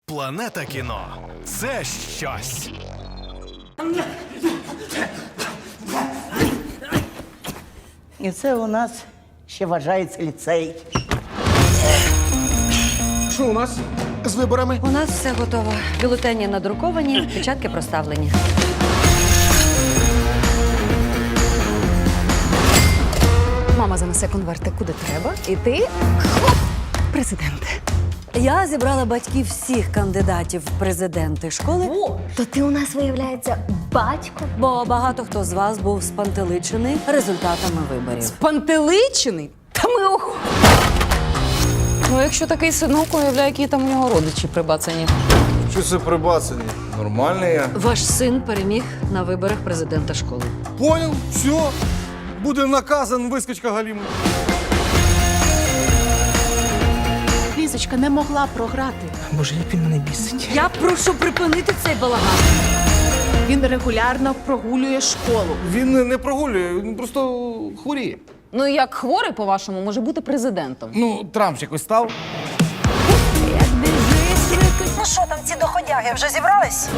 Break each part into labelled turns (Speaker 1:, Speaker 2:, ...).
Speaker 1: Планета кіно – це щось.
Speaker 2: І це у нас ще вважається ліцей.
Speaker 3: Що у нас з виборами?
Speaker 4: У нас все готово. Бюлетені надруковані, печатки проставлені.
Speaker 5: Мама занесе конверти куди треба, і ти хоп, президент.
Speaker 4: Я зібрала батьків всіх кандидатів в президенти школи,
Speaker 6: То ти у нас, виявляється, батько?
Speaker 4: бо багато хто з вас був спантеличений результатами виборів.
Speaker 5: Пантеличений? Та ми ого. Ну, якщо такий синок, уявляю, які там у нього родичі прибацані.
Speaker 3: Що це прибацані? Нормальний я.
Speaker 4: Ваш син переміг на виборах президента школи.
Speaker 3: Понял? Все. Буде наказан вискочка Галіма.
Speaker 7: Лізочка не могла програти.
Speaker 2: Боже, як він мене бісить.
Speaker 4: Я прошу припинити цей балаган.
Speaker 7: Він регулярно прогулює школу.
Speaker 3: Він не прогулює, він просто хворіє.
Speaker 5: Ну, як хворий, по-вашому, може бути президентом.
Speaker 3: Ну, Трамп якось став.
Speaker 4: Ну що там ці доходяги вже зібрались?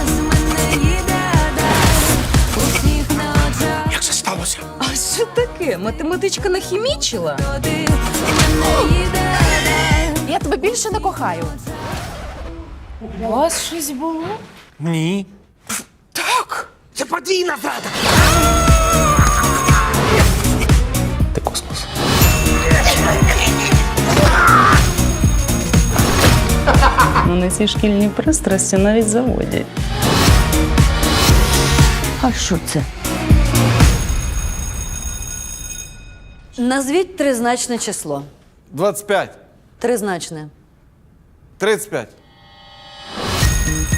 Speaker 1: Як це сталося?
Speaker 5: А що таке? Математичка нахімічила? Я тебе більше не кохаю. У вас щось було?
Speaker 1: Ні.
Speaker 3: Так! Це подвійна зрада!
Speaker 1: Ти космос.
Speaker 8: Вони ці шкільні пристрасті навіть заводять.
Speaker 2: А що це?
Speaker 4: Назвіть тризначне число.
Speaker 3: 25.
Speaker 4: Тризначне.
Speaker 3: 35.